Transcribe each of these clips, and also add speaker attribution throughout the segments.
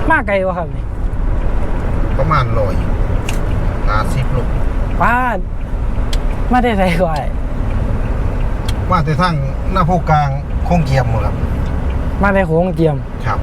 Speaker 1: มาไกลวะครับนี่
Speaker 2: ประมาณ150 โล
Speaker 1: ป้ามาได้ไรกว่า
Speaker 2: มาแต่ทั้งหน้าโพกลางโค้งเกียมครับ
Speaker 1: มาได้โค้งเจียม
Speaker 2: ครับ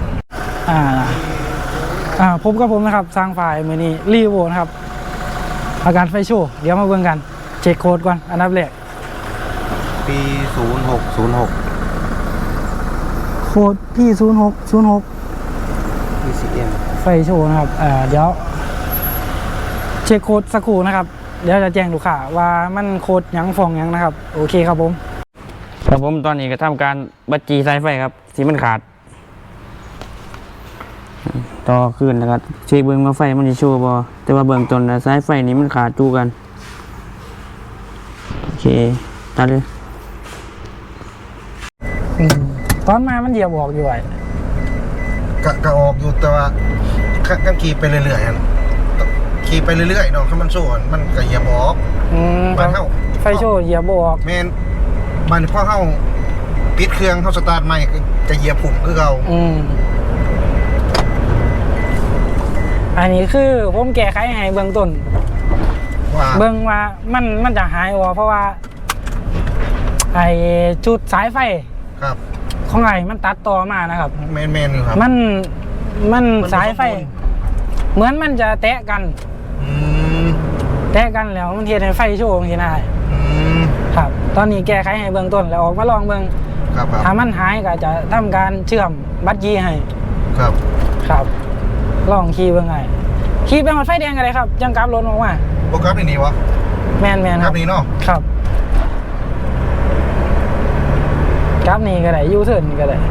Speaker 1: ผมกับผมนะครับสร้างไฟล์มือนี้รีวิวนะครับอาการไฟโชว์เดี๋ยวมาเบิ่งกันเช็คโค้ดก่อนอันดับแรก
Speaker 2: ปี0606
Speaker 1: โค้ดพี่0606
Speaker 2: PCM
Speaker 1: ไฟโชว์นะครับเดี๋ยวเช็คโค้ดสักครู่นะครับเดี๋ยวจะแจ้งลูกค้าว่ามันโค้ดยังฟองยังนะครับโอเคครับผมตอนนี้ก็ทำการบัดจีสายไฟครับที่มันขาดต่อขึ้นนะครับเช็คเบื้องว่าไฟมันจะโชว์บอแต่ว่าเบื้องต้นสายไฟนี้มันขาดจูกันโอเคตัดเลยตอนมามันเหยียบออกอยู่ไอ้
Speaker 2: ก็ออกอยู่แต่ว่ากันขี่ไปเรื่อยๆขี่ไปเรื่อยๆเนาะถ้ามันโชว์มันก็เหยียบออกบ้านเฮา
Speaker 1: ไฟโชว์เหยียบออก
Speaker 2: แมนบ้านพ่อเฮาปิดเครื่องเฮาสตาร์ทใหม่จะเหยียบผุ่มคือเก่า
Speaker 1: อันนี้คือผมแก้ไขให้เบื้องต้นเบื้องว่ามันจะหายเพราะว่าไอ้จุดสายไฟ
Speaker 2: ครับ
Speaker 1: ของไอ้มันตัดต่อมานะครับ
Speaker 2: แมนครับ
Speaker 1: มันสายไฟเหมือนมันจะแตะกันแล้วมันเฮ็ดให้ไฟโชว์บางทีได้ครับตอนนี้แก้ไขให้เบื้องต้นแล้วออกมาลองเบื้องถ้ามันหายก็จะทำการเชื่อมบัตรยีให้ครับลองขี่เบื้องไงขี่ไปหมดไฟแดงกันเลยครับจังกราฟรถออกมา
Speaker 2: โปรกราฟนี่วะ
Speaker 1: แมน
Speaker 2: ครับนี่เนาะ
Speaker 1: ครับกราฟนี่ก็ได้ยูเทิร์นก็ได้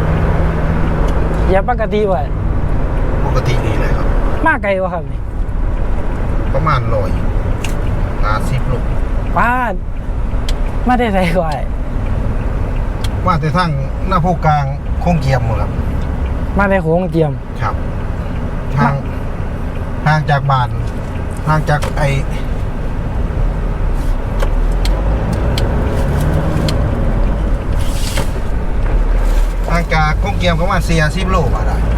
Speaker 1: อย่าปกติไว้
Speaker 2: ปกตินี่เลยครับ
Speaker 1: มาไกลวะครับนี่
Speaker 2: ประมาณ150 โล
Speaker 1: ป้ามาได้ไรกว่า
Speaker 2: มาแต่ทั้งหน้าโพกลางโค้งเกียมครับ
Speaker 1: มาได้โค้งเจียม
Speaker 2: ครับห่างจากบ้านห่างจากห่างจากโค้งเกียมประมาณ40 โลมาได้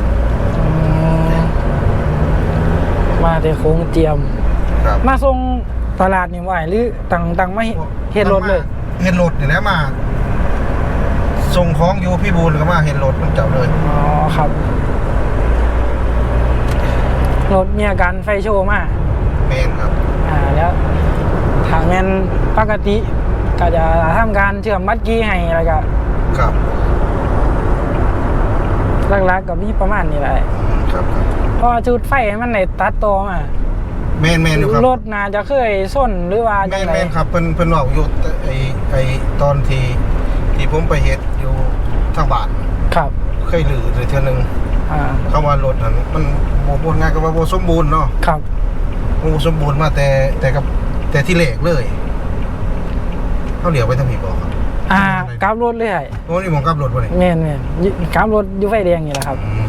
Speaker 1: มาได้โค้งเจียมมาส่งตลาดนี่ไหวหรือตังไม่เห็นรถเลย
Speaker 2: เห็นรถนี่แหละมาส่งของอยู่พี่บูลก็มาเห็นรถมันจับเลย
Speaker 1: อ๋อครับรถมีอาการไฟโชว์มาก
Speaker 2: แมนครับ
Speaker 1: แล้วทางแมนปกติก็จะทำการเชื่อมบัตรกี้ให้อะไรก็
Speaker 2: ครับ
Speaker 1: หลักๆกับมีประมาณนี้แหละ
Speaker 2: ครับ
Speaker 1: พอจุดไฟมันในตัดต่อมา
Speaker 2: แมนอยู่ครับ
Speaker 1: รถน่าจะเคยส้นหรือว่า
Speaker 2: แมนครับเพิ่นบอกอยู่ไอตอนที่ผมไปเฮ็ดอยู่ทางบ้าน
Speaker 1: ครับ
Speaker 2: เคยหรือเท่านึงเข้ามารถนั้นมันโบง่ายก็ว่าโบสมบูรณ์เนาะ
Speaker 1: ครับ
Speaker 2: โบสมบูรณ์มาแต่ที่แรกเลยเขาเหลียวไปทางพี่บอก
Speaker 1: ครับกราฟรถเลย
Speaker 2: โอ้นี่มองกราฟรถวะนี่
Speaker 1: แม่นกราฟรถอยู่ไฟแดงนี่แหละครับ